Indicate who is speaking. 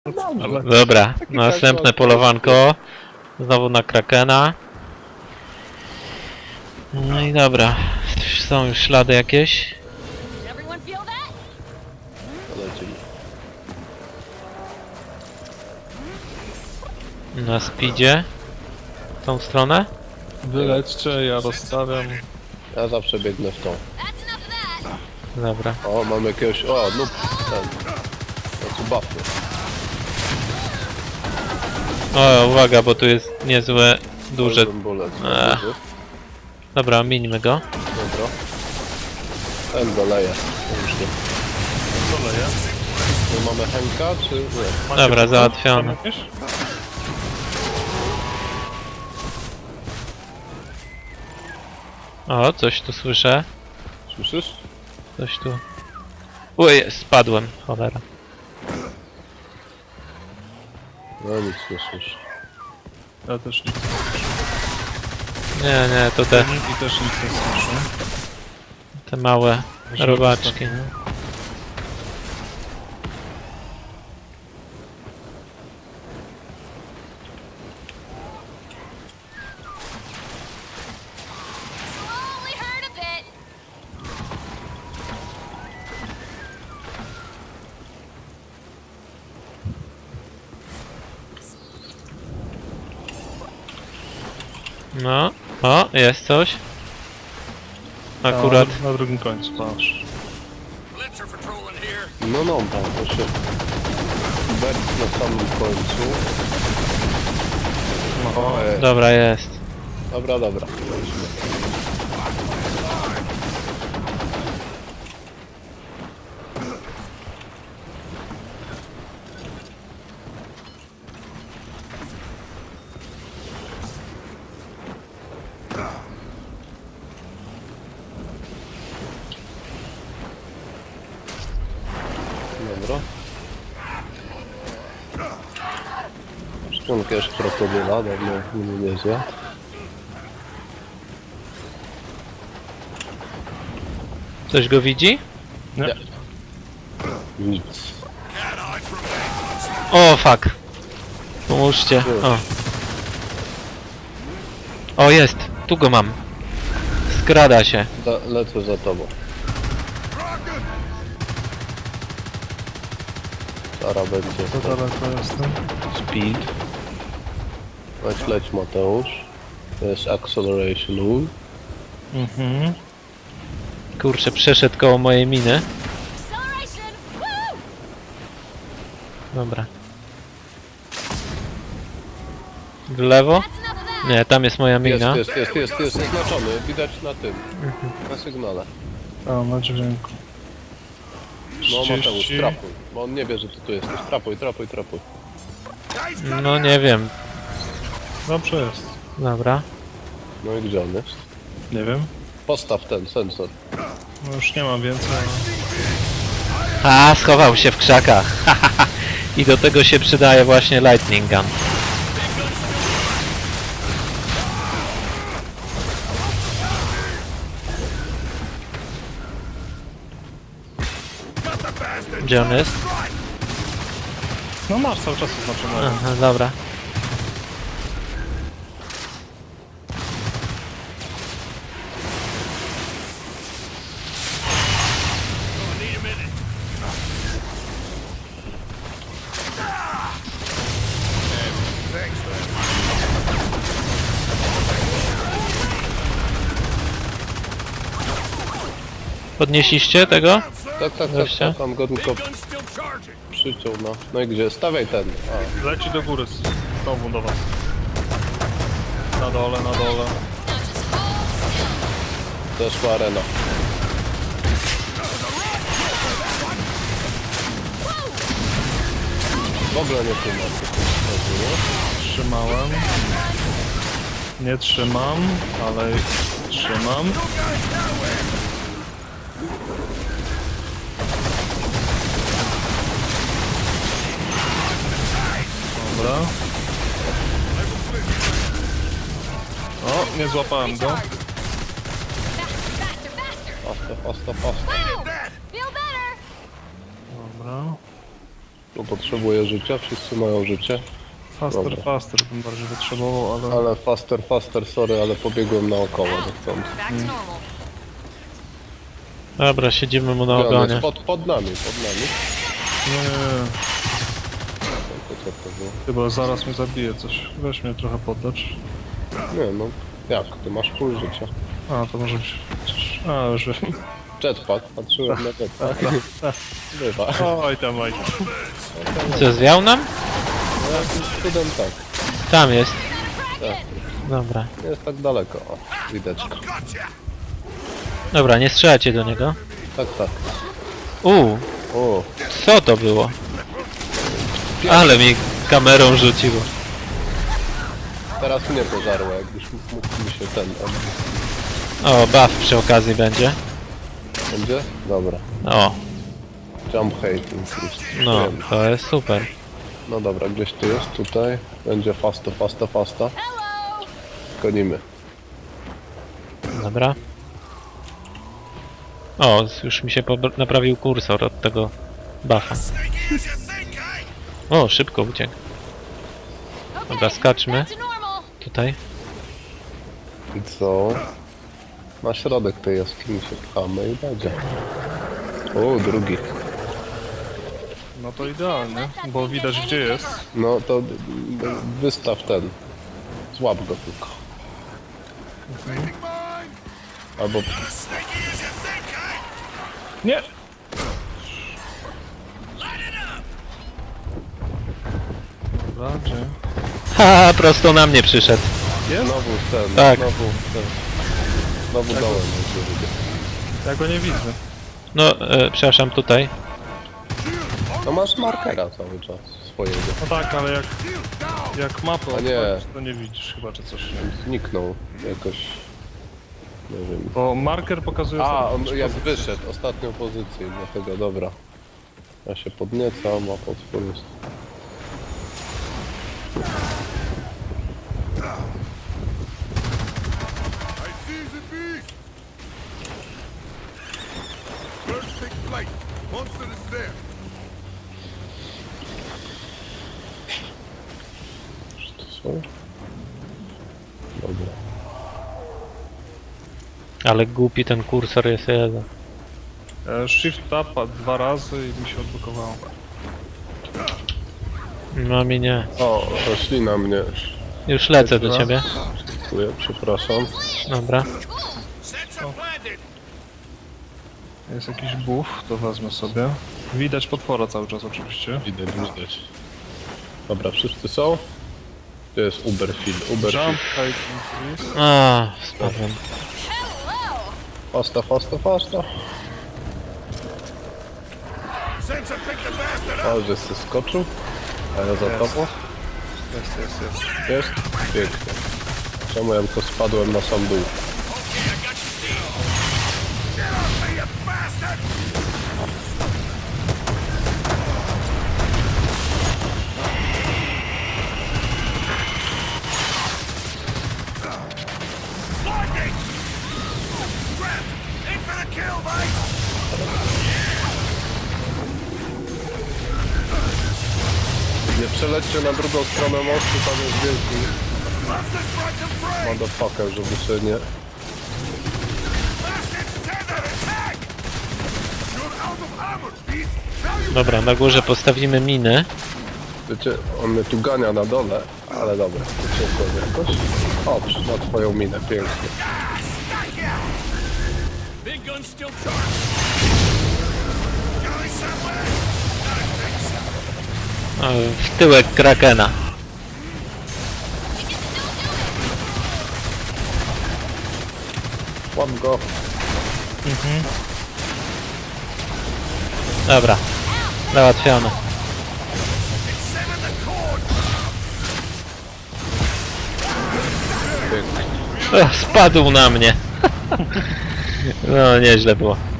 Speaker 1: Dobrze.
Speaker 2: Dobra, następne polowanko. Znowu na Krakena. No i dobra. Są już ślady jakieś.
Speaker 1: Polecimy.
Speaker 2: Na speedzie. W tą stronę.
Speaker 3: Wylećcie, ja rozstawiam.
Speaker 1: Ja zawsze biegnę w tą.
Speaker 2: Dobra.
Speaker 1: O, mamy jakiegoś... O, no ten... Znaczy buffy.
Speaker 2: O, uwaga, bo tu jest niezłe, duże...
Speaker 1: Golden Bullet.
Speaker 2: Ech. Dobra, mińmy go.
Speaker 1: Dobra. Ten doleje. Już nie.
Speaker 3: Co leje?
Speaker 1: My mamy Henka, czy nie?
Speaker 3: Macie
Speaker 2: Dobra,
Speaker 3: buty?
Speaker 2: załatwione.
Speaker 3: Tam jakieś?
Speaker 2: O, coś tu słyszę.
Speaker 1: Słyszysz?
Speaker 2: Coś tu... Uj, spadłem, cholera.
Speaker 1: No nic nie słyszę.
Speaker 3: Ja też nic nie słyszę.
Speaker 2: Nie, to te
Speaker 3: I też nic nie słyszę.
Speaker 2: małe
Speaker 3: Żeby
Speaker 2: robaczki.
Speaker 3: ostatnio.
Speaker 2: No, o, jest coś. Akurat.
Speaker 3: Na drugim końcu, patrz.
Speaker 1: No, tam to się... Bert na samym końcu.
Speaker 3: No,
Speaker 2: Dobra, jest.
Speaker 1: Dobra. Dobra. Szczątkę jeszcze krokodyla, dawno mnie nie zjadł.
Speaker 2: Ktoś go widzi?
Speaker 3: nie.
Speaker 1: Nic.
Speaker 2: O, fuck. Pomóżcie. O. O, jest. Tu go mam. Skrada się.
Speaker 1: Lecę za tobą. Sara będzie.
Speaker 3: To daleko jestem.
Speaker 2: Speed.
Speaker 1: Leć Mateusz. To jest Acceleration Rule.
Speaker 3: Mhm.
Speaker 2: Kurczę, przeszedł koło mojej miny. Dobra. W lewo? Nie, tam jest moja mina.
Speaker 1: Jest oznaczony. Widać na tym. Na sygnale.
Speaker 3: A, na dźwięku.
Speaker 1: No Mateusz,
Speaker 3: 30.
Speaker 1: trapuj. Bo on nie wie, że ty tu jesteś. Trapuj.
Speaker 2: No nie wiem.
Speaker 3: Dobrze jest.
Speaker 2: Dobra.
Speaker 1: No i gdzie on jest?
Speaker 3: Nie wiem.
Speaker 1: Postaw ten sensor.
Speaker 3: No już nie mam więcej.
Speaker 2: A, schował się w krzakach. I do tego się przydaje właśnie Lightning Gun. Gdzie on jest?
Speaker 3: No masz cały czas oznaczone.
Speaker 2: Aha, dobra. Podnieśliście tego? Gościa?
Speaker 1: Tam go tylko przyciął, no. No i gdzie? Stawiaj ten.
Speaker 3: Leci do góry znowu do was. Na dole.
Speaker 1: Zeszła arena. W ogóle nie tłumacz.
Speaker 3: Trzymałem. Nie trzymam, ale trzymam. Dobra. O, nie złapałem go.
Speaker 1: Ostro.
Speaker 3: Dobra.
Speaker 1: Bo potrzebuję życia, wszyscy mają życie. Dobra.
Speaker 3: Faster bym bardziej potrzebował, ale...
Speaker 1: Ale faster, sorry, ale pobiegłem naokoło chcąc.
Speaker 4: Back to normal.
Speaker 2: Dobra, siedzimy mu na
Speaker 1: Gdzie on jest?
Speaker 2: ogonie.
Speaker 1: Pod nami.
Speaker 3: Nie,
Speaker 1: To co to było?
Speaker 3: chyba zaraz mnie zabije coś. Weź mnie trochę podlecz.
Speaker 1: Nie no, jak? Ty masz pół życia.
Speaker 3: A, to może być... A, już wiem.
Speaker 1: Jetpack, patrzyłem na jetpack. Bywa.
Speaker 3: Oj tam.
Speaker 2: Co, zwiał nam?
Speaker 1: No jakimś cudem tak.
Speaker 2: Tam jest.
Speaker 1: Tak.
Speaker 2: Dobra.
Speaker 1: Nie jest tak daleko. O, wideczko.
Speaker 2: Dobra, nie strzelacie do niego.
Speaker 1: Tak. O,
Speaker 2: Co to było? Ale mi kamerą rzuciło.
Speaker 1: teraz mnie pożarło, jakbyś mógł mi się ten...
Speaker 2: O, buff przy okazji będzie.
Speaker 1: Będzie? Dobra.
Speaker 2: O,
Speaker 1: Jump hate increased.
Speaker 2: no,
Speaker 1: Wiem.
Speaker 2: to jest super.
Speaker 1: No dobra, gdzieś tu jest, tutaj. Będzie fasta.
Speaker 4: Hello!
Speaker 1: Gonimy.
Speaker 2: Dobra. O, już mi się naprawił kursor od tego buffa. O, szybko uciekł. Dobra, skaczmy.
Speaker 4: Back to normal.
Speaker 2: Tutaj.
Speaker 1: I co? Na środek tej jaskini się pchamy i będzie. O, drugi.
Speaker 3: No to idealnie, bo widać gdzie jest.
Speaker 1: No to wystaw ten. Złap go tylko. Albo
Speaker 3: Nie! Dobra, gdzie?
Speaker 2: Ha, prosto na mnie przyszedł.
Speaker 3: Jest?
Speaker 1: znowu ten,
Speaker 2: Tak.
Speaker 1: Znowu dołem będzie.
Speaker 3: Ja go nie widzę.
Speaker 2: No, przepraszam, tutaj.
Speaker 1: No masz markera cały czas swojego.
Speaker 3: No tak, ale jak mapę
Speaker 1: A nie.
Speaker 3: odpalisz, to nie widzisz chyba czy coś.
Speaker 1: Zniknął jakoś. Nie wiem.
Speaker 3: Bo marker pokazuje
Speaker 1: A, on
Speaker 3: ostatnią
Speaker 1: jak
Speaker 3: pozycję.
Speaker 1: wyszedł, ostatnią pozycję, dlatego dobra. Ja się podniecam, a potwór jest.
Speaker 5: I seize the beast! Birds take flight. Monster is there.
Speaker 1: Czy to są? Dobra.
Speaker 2: Ale głupi ten kursor jest jeden.
Speaker 3: Shift tab 2 razy i mi się odblokowało.
Speaker 2: No mi nie.
Speaker 1: O, roślina mnie.
Speaker 2: Już lecę do ciebie.
Speaker 1: Dziękuję, przepraszam.
Speaker 2: Dobra.
Speaker 3: Jest jakiś buff, to wezmę sobie. Widać potwora cały czas oczywiście.
Speaker 1: Widać. Dobra, wszyscy są? To jest Uberfield.
Speaker 3: Jump, height, increase.
Speaker 2: A, spadłem.
Speaker 4: Hello!
Speaker 1: Fasta.
Speaker 5: Sensor pick the bastard up!
Speaker 1: O, że się skoczył. A ja za tobą.
Speaker 3: Jest.
Speaker 1: Jest? Pięknie. Czemu ja tylko spadłem na sam dół?
Speaker 5: Aim for the kill, mate!
Speaker 1: Nie przelećcie na drugą stronę mostu, tam jest wielki
Speaker 5: Monster's broken free!
Speaker 1: motherfucker, żeby się nie...
Speaker 5: Bastard, tether, attack! You're out of armor, beast! Now you
Speaker 2: Dobra, na górze postawimy miny.
Speaker 1: Wiecie, on mnie tu gania na dole, ale dobra, uciekłem jakoś. O, na twoją minę, pięknie.
Speaker 5: Big gun still charged! Going somewhere?
Speaker 2: O, w tyłek Krakena.
Speaker 1: Łap go.
Speaker 2: Dobra. Załatwione.
Speaker 5: Sever the cord!
Speaker 1: Pięknie.
Speaker 2: O, spadł na mnie. No, nieźle było.